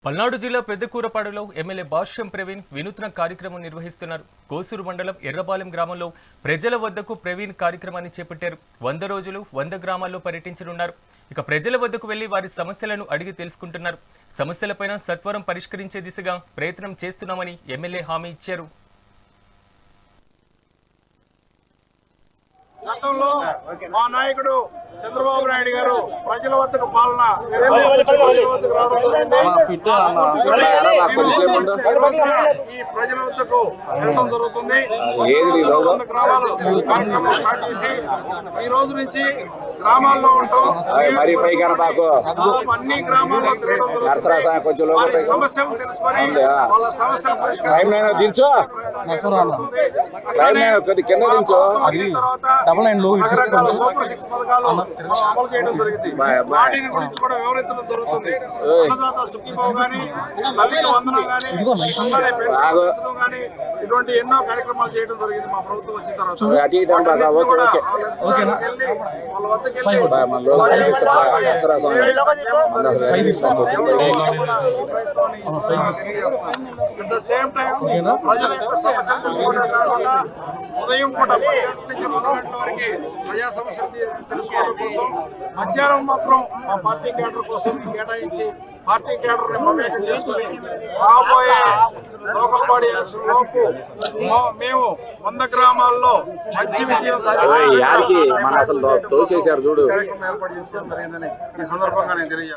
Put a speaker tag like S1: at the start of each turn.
S1: పల్నాడు జిల్లా పెద్దకూరపాడులో ఎమ్మెల్యే భాష్యం ప్రవీణ్ వినూత్న కార్యక్రమం నిర్వహిస్తున్నారు. కోసూరు మండలం ఎర్రపాలెం గ్రామంలో ప్రజల వద్దకు ప్రవీణ్ కార్యక్రమాన్ని చేపట్టారు. 100 రోజులు 100 గ్రామాల్లో పర్యటించనున్నారు. ఇక ప్రజల వద్దకు వెళ్లి వారి సమస్యలను అడిగి తెలుసుకుంటున్నారు. సమస్యలపైన సత్వరం పరిష్కరించే దిశగా ప్రయత్నం చేస్తున్నామని ఎమ్మెల్యే హామీ ఇచ్చారు.
S2: గతంలో మా నాయకుడు చంద్రబాబు నాయుడు గారు ప్రజల వద్దకు పాలన ఈ ప్రజల వద్దకు వెళ్ళడం జరుగుతుంది. గ్రామాలు కార్యక్రమం స్టార్ట్ చేసి ఈ రోజు నుంచి గ్రామాల్లో ఉంటాం. దాదాపు అన్ని గ్రామాల్లో తిరగడం జరుగుతుంది. వారి సమస్యలు తెలుసుకొని వాళ్ళ సమస్యలు రకరకాల సూపర్ 6 పథకాలు అమలు చేయడం జరిగింది. వాటిని గురించి కూడా వివరించడం జరుగుతుంది. అన్నదాత సుఖీభావ గానీ, తల్లికి వందనం గానీ, పెన్షన్ గానీ, ఇటువంటి ఎన్నో కార్యక్రమాలు చేయడం జరిగింది మా ప్రభుత్వం వచ్చిన తర్వాత. వాళ్ళ వద్దకు సేమ్ టైం ప్రజల యొక్క సమస్యలు తెలుసుకోవడం కాకుండా ఉదయం పూట 10 గంటల నుంచి 2 గంటల వరకు ప్రజా సమస్యలు తెలుసుకోవడం కోసం మధ్యాహ్నం మాత్రం మా పార్టీ క్యాడర్ కోసం కేటాయించి పార్టీ క్యాడర్ ఇన్ఫర్మేషన్ చేసుకుని రాబోయే లోకల్ బాడీ ఎలక్షన్ లోపు మేము 100 గ్రామాల్లో మంచి విజయం సాధించాలి. కార్యక్రమం ఏర్పాటు చేసుకోవడం జరిగిందని ఈ సందర్భంగా నేను తెలియజేస్తాను.